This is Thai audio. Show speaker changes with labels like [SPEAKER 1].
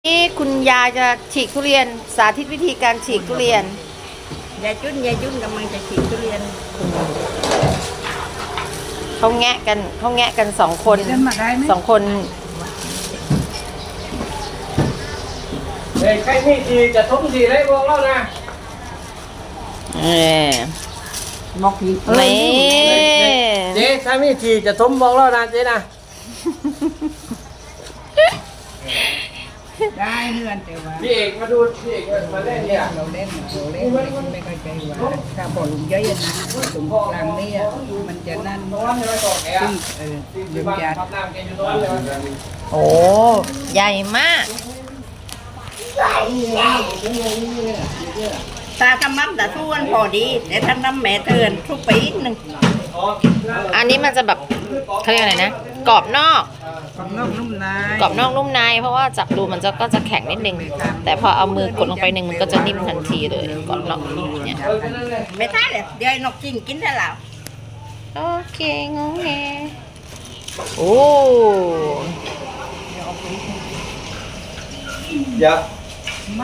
[SPEAKER 1] นี่คุณยายจะฉีกทุเรียนสาธิตวิธีการฉีกทุเรียน
[SPEAKER 2] ยายจุ้นกำลังจะฉีกทุเรียน
[SPEAKER 1] เขาแงะกัน2 คน2 คน
[SPEAKER 3] ใครมีทีจะทุ่มทีได้วงแล้วนะ
[SPEAKER 2] มอกผี
[SPEAKER 1] นี่
[SPEAKER 3] เจ๊ถ้ามีทีจะทุ่มวงแล้วนะเจ๊นะ
[SPEAKER 2] ได้เลื่อนแต่ว่า
[SPEAKER 3] พี่เอกมาดูพี่เอกมาเล่นเนี่ย
[SPEAKER 2] เราเล่นไม่เข้าใจว่าถ้าบอลลุงเยอะนะถุงกลางนี่มันจะนั่นที่ยืนยัน
[SPEAKER 1] โอ้ใหญ่มาก
[SPEAKER 2] ตาทำมั่มแต่ทุกวันพอดีแต่ท่านน้ำแม่เตือนทุกปีหนึ่ง
[SPEAKER 1] อันนี้มันจะแบบเขาเรียกอะไรนะกรอบนอก
[SPEAKER 2] นุ่มใน
[SPEAKER 1] กรอบนอกนุ่มในเพราะว่าจับดูมันก็จะแข็งนิดนึงแต่พอเอามือกดลงไปหนึ่งมันก็จะนิ่มทันทีเลยกรอบนอกเนี่ย
[SPEAKER 2] ไม่ท้าเลยเดี๋ยวนกกินกินได้แล้ว
[SPEAKER 1] โอเคงงแงโอ้
[SPEAKER 3] อย่า